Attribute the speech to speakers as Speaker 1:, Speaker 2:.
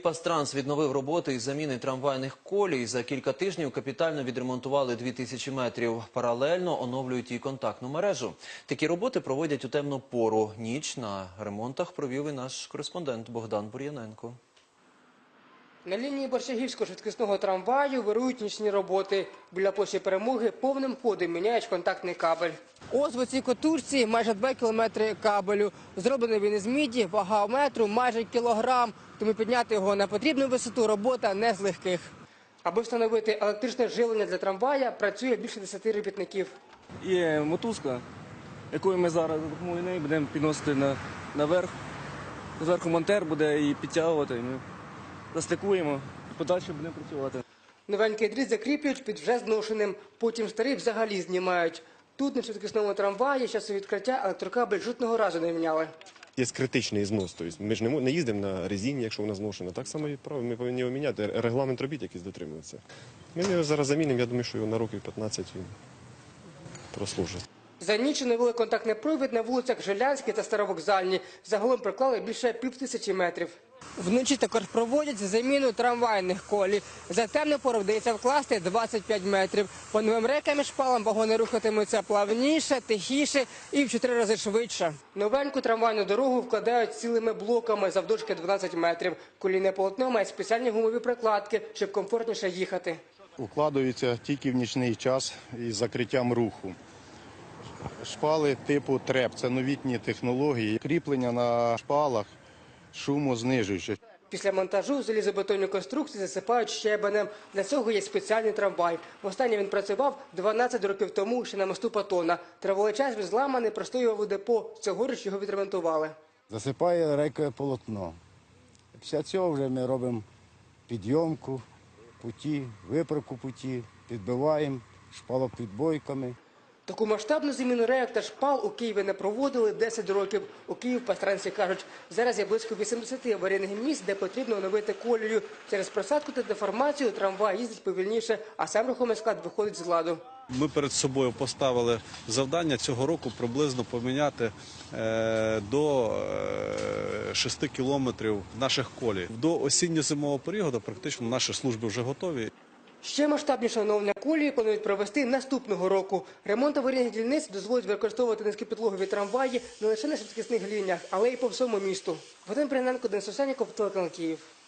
Speaker 1: Пастранс відновив роботи із заміни трамвайних колій. За кілька тижнів капітально відремонтували 2000 метрів. Паралельно оновлюють і контактну мережу. Такі роботи проводять у темну пору. Ніч на ремонтах провів і наш кореспондент Богдан Бур'яненко.
Speaker 2: На лінії Борщагівського швидкісного трамваю вирують нічні роботи. Біля площі Перемоги повним ходом міняють контактний кабель. Ось в цій котушці майже 2 кілометри кабелю. Зроблений він із міді, вага метру майже кілограм. Тому підняти його на потрібну висоту робота не з легких. Аби встановити електричне живлення для трамвая, працює більше 10 робітників.
Speaker 3: Є мотузка, якою ми зараз за допомогою неї будемо підносити наверх. Зверху монтер буде її підтягувати. Ми застикуємо і подальше будемо працювати.
Speaker 2: Новенький дріт закріплюють під вже зношеним, потім старий взагалі знімають. Тут на швидкісному трамваї з часу відкриття електрокабель жодного разу не міняли.
Speaker 4: Є критичний знос, тобто ми ж не їздимо на резині, якщо вона зношена. Так само і право, ми повинні його міняти, регламент робіт якийсь дотримуватися. Ми його зараз замінимо, я думаю, що його на років 15 він прослужить.
Speaker 2: За ніч оновили контактний провід на вулицях Жилянській та Старовокзальній. Загалом приклали більше 1500 метрів. Вночі також проводять заміну трамвайних колій. За темну пору вдається вкласти 25 метрів. По новим рейкам і шпалам вагони рухатимуться плавніше, тихіше і в 4 рази швидше. Новеньку трамвайну дорогу вкладають цілими блоками завдовжки 12 метрів. Колійне полотно має спеціальні гумові прокладки, щоб комфортніше їхати.
Speaker 5: Укладаються тільки в нічний час із закриттям руху. Шпали типу ТРЕП – це новітні технології. Кріплення на шпалах шумознижуюче.
Speaker 2: Після монтажу залізобетонні конструкції засипають щебенем. Для цього є спеціальний трамвай. Востаннє він працював 12 років тому ще на мосту Патона. Тривалий час він зламаний, простоював у депо. Цьогоріч його відремонтували.
Speaker 6: Засипає рейкове полотно. Після цього вже ми робимо підйомку путі, виправку путі, підбиваємо шпалопідбойками.
Speaker 2: Таку масштабну заміну рейок та шпал у Києві не проводили 10 років. У Київ-Пастранці кажуть, зараз є близько 80 аварійних місць, де потрібно оновити колію. Через просадку та деформацію трамвай їздить повільніше, а сам рухомий склад виходить з ладу.
Speaker 7: Ми перед собою поставили завдання цього року приблизно поміняти до 6 кілометрів наших колій. До осінньо-зимового періоду практично наші служби вже готові.
Speaker 2: Ще масштабніше оновлення колії планують провести наступного року. Ремонт аварійних дільниць дозволить використовувати низькопідлогові трамваї не лише на швидкісних лініях, але й по всьому місту. Богдан Бур'яненко, Денис Овсянніков, телеканал Київ.